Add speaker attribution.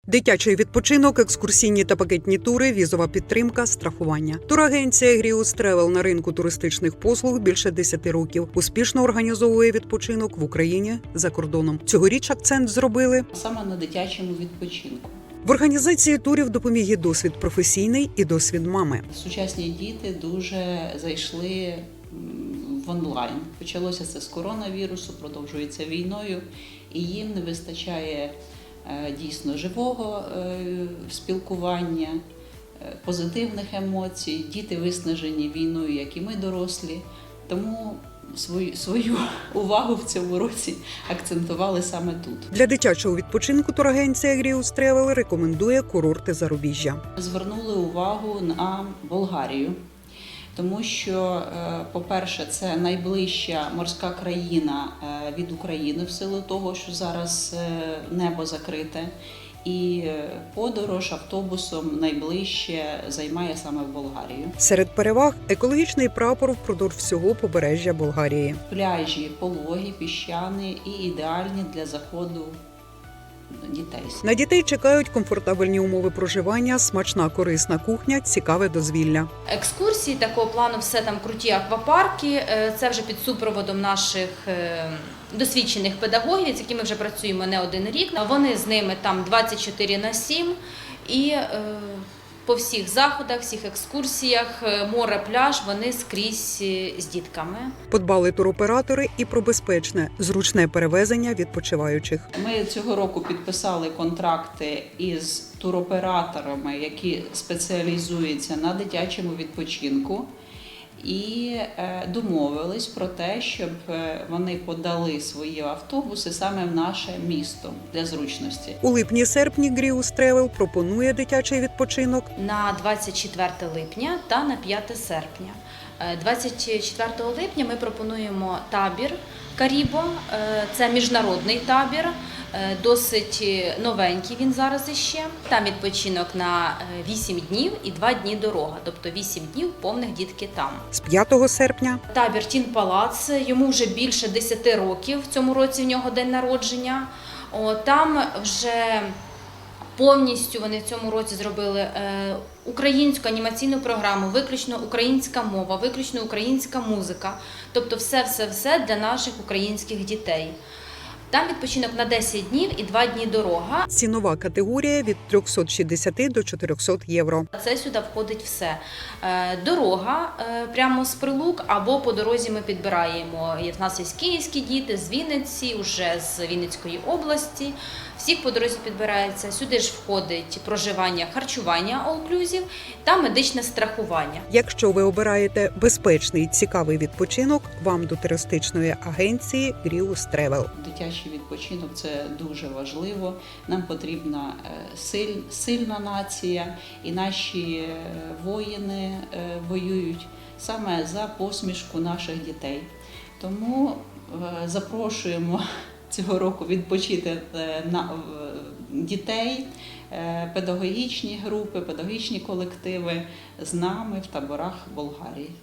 Speaker 1: Дитячий відпочинок, екскурсійні та пакетні тури, візова підтримка, страхування. Турагенція Гріус Тревел на ринку туристичних послуг більше 10 років. Успішно організовує відпочинок в Україні, за кордоном. Цьогоріч акцент зробили
Speaker 2: саме на дитячому відпочинку.
Speaker 1: В організації турів допоміг і досвід професійний, і досвід мами.
Speaker 2: Сучасні діти дуже зайшли в онлайн. Почалося це з коронавірусу, продовжується війною, і їм не вистачає дійсно живого спілкування, позитивних емоцій. Діти виснажені війною, як і ми дорослі. Тому свою увагу в цьому році акцентували саме тут.
Speaker 1: Для дитячого відпочинку турагенція Гріус Тревел рекомендує курорти зарубіжжя.
Speaker 2: Звернули увагу на Болгарію, тому що, по-перше, це найближча морська країна від України в силу того, що зараз небо закрите. І подорож автобусом найближче займає саме в Болгарію.
Speaker 1: Серед переваг – екологічний прапор впродовж всього побережжя Болгарії.
Speaker 2: Пляжі пологі, піщані і ідеальні для заходу дітей.
Speaker 1: На дітей чекають комфортабельні умови проживання, смачна корисна кухня, цікаве дозвілля.
Speaker 3: Екскурсії такого плану, все там круті аквапарки, це вже під супроводом наших досвідчених педагогів, з якими вже працюємо не один рік. Вони з ними там 24/7 і по всіх заходах, всіх екскурсіях, море, пляж, вони скрізь з дітками.
Speaker 1: Подбали туроператори і про безпечне, зручне перевезення відпочиваючих.
Speaker 2: Ми цього року підписали контракти із туроператорами, які спеціалізуються на дитячому відпочинку. І домовились про те, щоб вони подали свої автобуси саме в наше місто для зручності.
Speaker 1: У липні-серпні Гріус Тревел пропонує дитячий відпочинок
Speaker 3: На 24 липня та на 5 серпня. 24 липня ми пропонуємо табір Карібо. Це міжнародний табір, досить новенький він зараз іще. Там відпочинок на 8 днів і 2 дні дорога, тобто 8 днів повних дітки там.
Speaker 1: з 5 серпня.
Speaker 3: Табір Тін Палац, йому вже більше 10 років, в цьому році в нього день народження. Там вже повністю вони в цьому році зробили українську анімаційну програму, виключно українська мова, виключно українська музика. Тобто все для наших українських дітей. Там відпочинок на 10 днів і 2 дні дорога.
Speaker 1: Цінова категорія від 360 до 400 євро.
Speaker 3: Це сюди входить все. Дорога прямо з Прилук або по дорозі ми підбираємо. В нас є київські діти з Вінниці, вже з Вінницької області. Всіх по дорозі підбирається. Сюди ж входить проживання, харчування all-inclusive та медичне страхування.
Speaker 1: Якщо ви обираєте безпечний, цікавий відпочинок, вам до туристичної агенції Гріус Тревел.
Speaker 2: Дитячий відпочинок – це дуже важливо. Нам потрібна сильна нація, і наші воїни воюють саме за посмішку наших дітей. Тому запрошуємо цього року відпочити дітей, педагогічні групи, педагогічні колективи з нами в таборах Болгарії.